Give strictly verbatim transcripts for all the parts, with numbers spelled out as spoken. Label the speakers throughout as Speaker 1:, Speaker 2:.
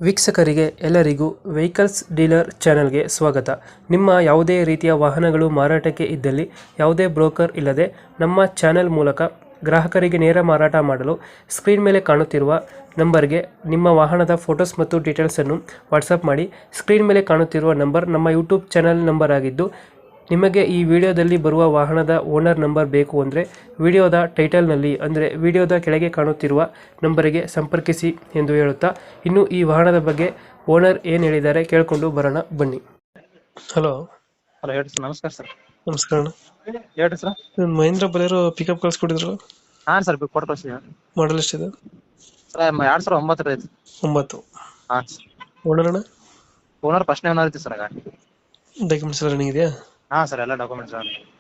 Speaker 1: ವೀಕ್ಷಕರಿಗೆ ಎಲ್ಲರಿಗೂ vehicles dealer ಚಾನೆಲ್ಗೆ ಸ್ವಾಗತ. ನಿಮ್ಮ ಯಾವುದೇ ರೀತಿಯ ವಾಹನಗಳು ಮಾರಾಟಕ್ಕೆ ಇದ್ದಲ್ಲಿ ಯಾವುದೇ ಬ್ರೋಕರ್ ಇಲ್ಲದೆ ನಮ್ಮ ಚಾನೆಲ್ ಮೂಲಕ ಗ್ರಾಹಕರಿಗೆ ನೇರ ಮಾರಾಟ ಮಾಡಲು ಸ್ಕ್ರೀನ್ ಮೇಲೆ ಕಾಣುತ್ತಿರುವ ನಂಬರ್ಗೆ ನಿಮ್ಮ ವಾಹನದ ಫೋಟೋಸ್ ಮತ್ತು ಡೀಟೇಲ್ಸನ್ನು ವಾಟ್ಸಪ್ ಮಾಡಿ. ಸ್ಕ್ರೀನ್ ಮೇಲೆ ಕಾಣುತ್ತಿರುವ ನಂಬರ್ ನಮ್ಮ ಯೂಟ್ಯೂಬ್ ಚಾನೆಲ್ ನಂಬರ್ ಆಗಿದ್ದು, ನಿಮಗೆ ಈ ವಿಡಿಯೋದಲ್ಲಿ ಬರುವ ವಾಹನದ ಓನರ್ ನಂಬರ್ ಬೇಕು ಅಂದರೆ ವಿಡಿಯೋದ ಟೈಟಲ್ನಲ್ಲಿ ಅಂದರೆ ವಿಡಿಯೋದ ಕೆಳಗೆ ಕಾಣುತ್ತಿರುವ ನಂಬರಿಗೆ ಸಂಪರ್ಕಿಸಿ ಎಂದು ಹೇಳುತ್ತಾ, ಇನ್ನು ಈ ವಾಹನದ ಬಗ್ಗೆ ಓನರ್ ಏನು ಹೇಳಿದ್ದಾರೆ ಕೇಳಿಕೊಂಡು ಬರೋಣ ಬನ್ನಿ. ಹಲೋ
Speaker 2: ಹಲೋ ಹೇಳ್ರಿ ಸರ್. ನಮಸ್ಕಾರ ಸರ್.
Speaker 1: ನಮಸ್ಕಾರ ಅಣ್ಣ.
Speaker 2: ಹೇಳ್ರಿ ಸರ್.
Speaker 1: ಒಂದು ಮಹೇಂದ್ರ ಬಲೇರೋ ಪಿಕಪ್ ಕಳ್ಸ್ಕೊಟ್ಟಿದ್ರು,
Speaker 2: ಹಾಂ ಸರ್ ಕೊಟ್ಟು ಕಳಿಸಿ.
Speaker 1: ಮಾಡಲ್ ಎಷ್ಟಿದೆ?
Speaker 2: ಸರ್ ಎರಡು ಸಾವಿರ ಒಂಬತ್ತರ ಐತಿ.
Speaker 1: ಒಂಬತ್ತು.
Speaker 2: ಹಾಂ ಸರ್.
Speaker 1: ಓನರ್ ಅಣ್ಣ?
Speaker 2: ಓನರ್ ಫಸ್ಟ್ನೇ ಓನರ್ ಐತಿ ಸರ್. ಗಾಡಿ
Speaker 1: ಡಾಕ್ಯುಮೆಂಟ್ಸ್ ಎಲ್ಲ ರನ್ನಿಂಗ್ ಇದೆಯಾ?
Speaker 2: ಹಾಂ ಸರ್, ಎಲ್ಲ ಡಾಕ್ಯುಮೆಂಟ್ಸ್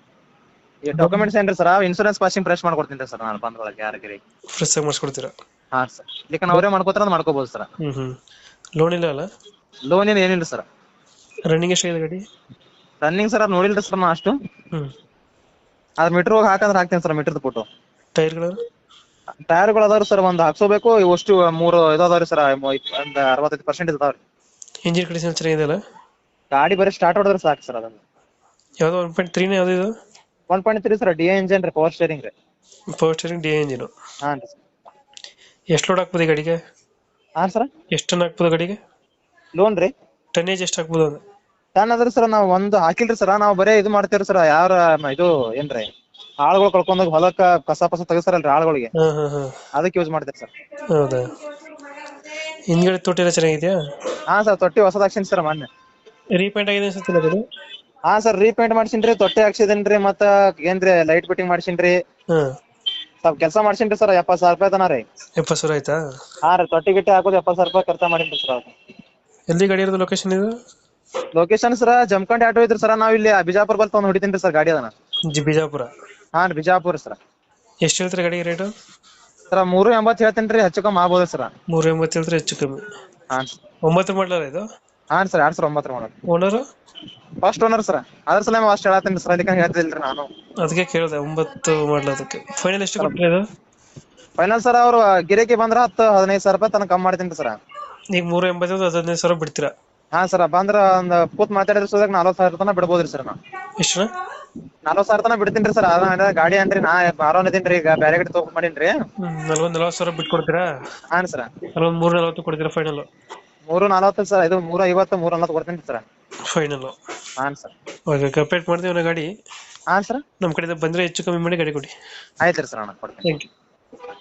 Speaker 2: ಈ ಡಾಕ್ಯುಮೆಂಟ್ಸ್ ಏನ್ರಿ ಸರ್? ಇನ್ಶೂರೆನ್ಸ್ ಪಾಸಿಂಗ್ ಫ್ರೆಶ್ ಮಾಡ್ಕೊಡ್ತೀನಿ ಸರ್ ನಾನು ಬಂದೊಳಗೆ ಯಾರಿಗೆ.
Speaker 1: ಫ್ರೆಶ್ ಆಗಿ ಮಾಡಿಸ್ಕೊಡ್ತೀರಾ?
Speaker 2: ಹಾಂ ಸರ್. ಇದಕ್ಕೆ ಅವರೇ ಮಾಡ್ಕೋತಾರ ಅಂತ ಮಾಡ್ಕೋಬೋದು ಸರ್.
Speaker 1: ಹ್ಞೂ ಹ್ಞೂ ಲೋನ್ ಇಲ್ಲ ಅಲ್ಲ?
Speaker 2: ಲೋನ್ ಏನು ಏನಿಲ್ಲ ಸರ್.
Speaker 1: ರನ್ನಿಂಗ್ ಎಷ್ಟಾಗಿದೆ ಗಾಡಿ?
Speaker 2: ರನ್ನಿಂಗ್ ಸರ್ ಅದು ನೋಡಿಲ್ರಿ ಸರ್ ನಾ ಅಷ್ಟು.
Speaker 1: ಹ್ಞೂ
Speaker 2: ಅದ್ರ ಮೀಟ್ರ್ ಹೋಗಿ ಹಾಕಂದ್ರೆ ಹಾಕ್ತೀನಿ ಸರ್. ಮೀಟ್ರದ್ದು ಫೋಟೋ.
Speaker 1: ಟೈರ್ಗಳು?
Speaker 2: ಟೈರ್ಗಳು ಅದಾವ್ರಿ ಸರ್, ಒಂದು ಹಾಕ್ಸೋಬೇಕು. ಇವಷ್ಟು ಮೂರು ಇದು ಅದಾವ್ರಿ ಸರ್, ಒಂದು ಅರವತ್ತೈದು ಪರ್ಸೆಂಟ್ ಇದಾವ್ರಿ.
Speaker 1: ಇಂಜಿನ್ ಕಂಡೀಷನ್ ಚೆನ್ನಾಗಿದೆಯಲ್ಲ?
Speaker 2: ಗಾಡಿ ಬರೀ ಸ್ಟಾರ್ಟ್ ಹೊಡೆದ್ರೆ ಸಾಕು ಸರ್. ಅದನ್ನು
Speaker 1: ಯಾವುದೋ ಒನ್ ಪಾಯಿಂಟ್ ತ್ರೀನೇ ಯಾವುದು ಇದು?
Speaker 2: One point three sir, D A engine ರೀ, ಪವರ್ ಸ್ಟೇರಿಂಗ್ ರೀ.
Speaker 1: Power steering D A engine.
Speaker 2: ಹಾಂ ರೀ.
Speaker 1: ಎಷ್ಟು ಲೋಡ್ ಹಾಕ್ಬೋದು ಈ ಗಾಡಿಗೆ?
Speaker 2: ಹಾಂ ಸರ್.
Speaker 1: ಎಷ್ಟು ಟನ್ ಹಾಕ್ಬೋದು ಗಾಡಿಗೆ?
Speaker 2: ಲೋನ್ ರೀ
Speaker 1: ಟನ್ನೇಜ್ ಎಷ್ಟು ಹಾಕ್ಬೋದು ಅಂದ್ರೆ?
Speaker 2: ಟನ್ ಅದ್ರಿ ಸರ್, ನಾವು ಒಂದು ಹಾಕಿಲ್ರಿ ಸರ್. ನಾವು ಬರೇ ಇದು ಮಾಡ್ತೇವ್ರಿ ಸರ್. ಯಾರ ಇದು ಏನ್ರಿ ಆಳುಗಳು ಕಳ್ಕೊಂಡಾಗ ಹೊಲಕ್ಕ ಕಸ ಪಸ ತೆಗಿಸ್ತಾರಲ್ರಿ ಆಳುಗಳಿಗೆ,
Speaker 1: ಹಾಂ ಹಾಂ ಹಾಂ
Speaker 2: ಅದಕ್ಕೆ ಯೂಸ್ ಮಾಡ್ತೇವೆ ಸರ್.
Speaker 1: ಹೌದಾ? ಹಿಂದ್ಗಡೆ ತೊಟ್ಟಿ ಎಲ್ಲ ಚೆನ್ನಾಗಿದೆಯಾ?
Speaker 2: ಹಾಂ ಸರ್, ತೊಟ್ಟಿ ಹೊಸದ್ ಹಾಕ್ಸಿನಿ ಸರ್ ಮೊನ್ನೆ.
Speaker 1: ರೀಪೇಂಟ್ ಆಗಿದೆ ಅನ್ಸುತ್ತಿಲ್ಲ ಗಾಡಿ?
Speaker 2: ಹಾಂ ಸರ್, ರೀಪೇಂಟ್ ಮಾಡ್ಸಿನ್ರಿ, ತೊಟ್ಟಿ ಹಾಕ್ಸಿದೇನ್ರಿ, ಮತ್ತ ಏನ್ರಿ ಲೈಟ್ ಫಿಟ್ಟಿಂಗ್ ಮಾಡ್ಸಿನ್ರಿ,
Speaker 1: ಹಾಂ
Speaker 2: ಸ್ವಲ್ಪ ಕೆಲಸ ಮಾಡ್ಸಿನ್ರಿ ಸರ್. ಎಪ್ಪತ್ತು ಸಾವಿರ ರೂಪಾಯಿ ತನ ರೀ.
Speaker 1: ಎಪ್ಪತ್ತು ಸಾವಿರ ಆಯ್ತಾ?
Speaker 2: ಹಾಂ ರೀ, ತೊಟ್ಟಿ ಗಿಟ್ಟಿ ಹಾಕೋದು ಎಪ್ಪತ್ತು ಸಾವಿರ ರೂಪಾಯಿ ಖರ್ಚು ಮಾಡಿನ್ರಿ ಸರ್. ಅದು
Speaker 1: ಎಲ್ಲಿ ಗಾಡಿ ಇರೋದು ಲೊಕೇಶನ್ ಇದು?
Speaker 2: ಲೊಕೇಶನ್ ಸರ್ ಜಮಖಂಡಿ ಆಟೋ ಇದ್ರಿ ಸರ್. ನಾವು ಇಲ್ಲಿ ಬಿಜಾಪುರ ಬಲ್ ತಗೊಂಡ್ ಹೊಡಿತೀನಿ ಸರ್ ಗಾಡಿ ಅದನ್ನ.
Speaker 1: ಜಿ ಬಿಜಾಪುರ?
Speaker 2: ಹಾಂ ರೀ, ಬಿಜಾಪುರ ಸರ್.
Speaker 1: ಎಷ್ಟು ಹೇಳ್ತಾರೆ ಗಾಡಿಗೆ ರೇಟು?
Speaker 2: ಸರ್ ಮೂರು ಎಂಬತ್ತು ಹೇಳ್ತೇನೆ ರೀ, ಹೆಚ್ಚು ಕಮ್ಮಿ ಆಗ್ಬೋದು ಸರ್.
Speaker 1: ಮೂರು ಎಂಬತ್ತು ಹೇಳ್ತಾರೆ, ಹೆಚ್ಚು ಕಮ್ಮಿ.
Speaker 2: ಹಾಂ ಸರ್.
Speaker 1: ಒಂಬತ್ತು ಮಾಡಲಲ್ಲ ಇದು?
Speaker 2: ಹಾಂ ಸರ್, ಎರಡ್ ಸಾವಿರ ಒಂಬತ್ತರ ಮಾಡೋದು.
Speaker 1: ಓನರು?
Speaker 2: First owner sir. ಅದ್ರ ಸಲ ಅಷ್ಟು ಹೇಳತ್ತೀನಿ ಸರ್, ಅದಕ್ಕೆ ಹೇಳ್ತಿಲ್ರಿ ನಾನು.
Speaker 1: ಅದಕ್ಕೆ ಕೇಳಿದೆ, ಒಂಬತ್ತು ಮಾಡಲ. ಅದಕ್ಕೆ ಫೈನಲ್ ಎಷ್ಟು ಕೊಟ್ಟರೆ ಇದು?
Speaker 2: ಫೈನಲ್ ಸರ್ ಅವ್ರು ಗಿರೇಕಿ ಬಂದ್ರ ಹತ್ತು ಹದಿನೈದು ಸಾವಿರ ರೂಪಾಯಿ ತನಕ ಕಮ್ಮಿ ಮಾಡ್ತೀನಿ ಸರ್.
Speaker 1: ಈಗ ಮೂರು ಎಂಬತ್ತು ಹದಿನೈದು ಸಾವಿರ ಬಿಡ್ತೀರಾ?
Speaker 2: ಹಾಂ ಸರ್, ಬಂದ್ರ ಒಂದ್ ಕೂತ್ ಮಾತಾಡಿದ್ರ ಸೋದಾಗ ನಲ್ವತ್ತು ಸಾವಿರ ತನಕ ಬಿಡ್ಬೋದ್ರಿ ಸರ್. ನಾ
Speaker 1: ಎಷ್ಟು?
Speaker 2: ನಲ್ವತ್ತು ಸಾವಿರ ತನಕ ಬಿಡ್ತೀನಿ ಸರ್. ಅದ ಗಾಡಿ ಅನ್ರಿ, ನಾ ಆರೋನ್ ಇದೀನಿ ಈಗ, ಬೇರೆ ಗಾಡಿ ತಗೊಂಡ್ ಮಾಡೀನ್ರಿ.
Speaker 1: ನಲ್ವತ್ತು ನಲ್ವತ್ತು ಸಾವಿರ ಬಿಟ್ಟು ಕೊಡ್ತೀರಾ?
Speaker 2: ಹಾಂ ಸರ್.
Speaker 1: ಅಲ್ಲೊಂದು ಮೂರು ನಲ್ವತ್ತು ಕೊಡ್ತೀರಾ ಫೈನಲ್?
Speaker 2: ಮೂರು ನಲ್ವತ್ತು ಸರ್, ಇದು ಮೂರ ಐವತ್ತು ಮೂರ ನಲ್ವತ್ತು ಕೊಡ್ತೀನಿ ಸರ್
Speaker 1: ಫೈನಲ್.
Speaker 2: ಹಾಂ ಸರ್.
Speaker 1: ಓಕೆ, ಕಂಪ್ಲೀಟ್ ಮಾಡ್ತೀವಿ ನಾ ಗಾಡಿ.
Speaker 2: ಹಾಂ ಸರ್,
Speaker 1: ನಮ್ಮ ಕಡೆಯಿಂದ ಬಂದರೆ ಹೆಚ್ಚು ಕಮ್ಮಿ ಮಾಡಿ ಗಾಡಿ ಕೊಡಿ.
Speaker 2: ಆಯ್ತು ರೀ ಸರ್, ಅಣ್ಣ ಕೊಡ್ತೀನಿ.
Speaker 1: Thank you.